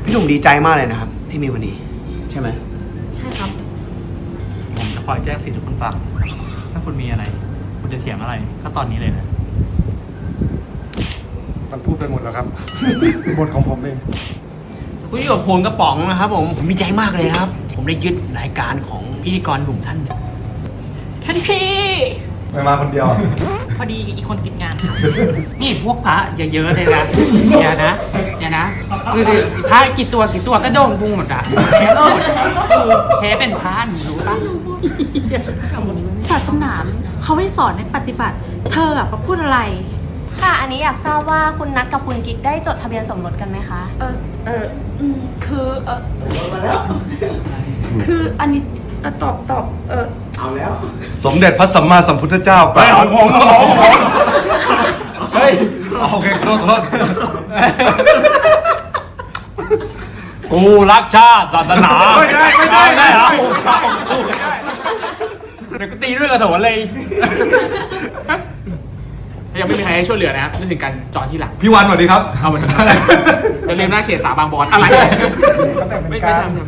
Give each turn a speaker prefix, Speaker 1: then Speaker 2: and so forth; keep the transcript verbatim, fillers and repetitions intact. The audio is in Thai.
Speaker 1: พี่หนุ่มดีใจมากเลยนะครับที่มีวันนี้ใช่ไหม
Speaker 2: ใช่ครับ
Speaker 3: ผมจะคอยแจ้งสิ่งที่คุณฟังถ้าคุณมีอะไรคุณจะเถียงอะไรก็ตอนนี้เลยนะ
Speaker 4: มันพูดไปหมดแล้วครับ บทของผมเอง
Speaker 1: คุณอยู่กับพลกระป๋องนะครับผมผมดีใจมากเลยครับ ผมได้ยึดรายการของพิธีกรหนุ่มท่านหนึ่ง
Speaker 2: ท่านพี่
Speaker 4: ไม่มาคนเดียว
Speaker 2: พอดีอีกคนติดงานค่ะ
Speaker 5: นี่พวกพระเยอะๆเลยนะอย่านะอย่านะคือพระกี่ตัวกี่ตัวก็โดนพุงหมดอ่ะแพ้หมดคือแพ้เป็นพระหนูรู้ปะ
Speaker 6: ศาสนาเขาให้สอนให้ปฏิบัติ เธออะมาพูดอะไร
Speaker 7: ค่ะ อันนี้อยากทราบว่าคุณนัทกับคุณกิ๊กได้จดทะเบียนสมรสกันไหมคะ
Speaker 6: เออเอออืมคือเออคืออันนี้เอ่อตอบตอบเออ
Speaker 4: สมเด็จพระสัมมาสัมพุทธเจ้าไปของผมของผมเฮ้ยโอเคโทษโทษ
Speaker 3: กูรักชาติศาสนา
Speaker 4: ไม่ได้ไม่ได้
Speaker 3: ได้เหรอเดี๋ยวก็ตีด้วยกระโถนเลย
Speaker 1: ถ้ายังไม่มีใครให้ช่วยเหลือนะครับนึกถึงการจอดที่หลัง
Speaker 4: พี่วันสวัสดีครับ
Speaker 1: เอามาอย่าลืมหน้าเขตสาบางบอนอะไร
Speaker 4: เขาแต่งเป็น
Speaker 1: ไม่
Speaker 4: กา
Speaker 1: ไม่
Speaker 4: ร
Speaker 1: ทำ